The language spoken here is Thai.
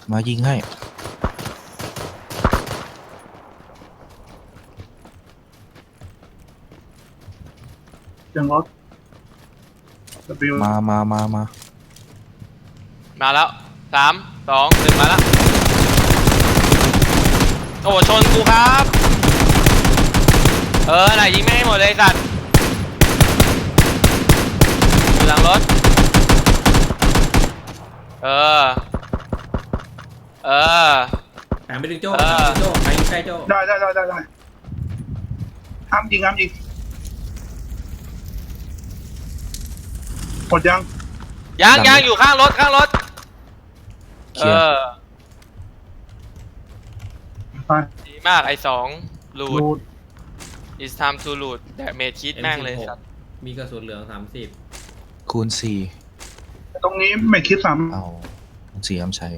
มายิงให้ยังรถ W มาแล้ว3 2 1มาแล้วโอ้ชนกูครับไหนยิงไม่ให้หมดเลยสัตว์อยู่หลังรถหันไปถึงโจ้หันไปถึงโจ้ไปใกล้โจ้ได้ห้ามยิงหมดยังยังอยู่ข้างรถเคลียร์ไปดีมากไอ้2 รูด it's time to loot แต่เมจคิดแม่งเลยสัตว์มีกระสุนเหลือง30 คูณ4 ตรงนี้ไม่คิดซ้เอาคูณ4อ้ำใช้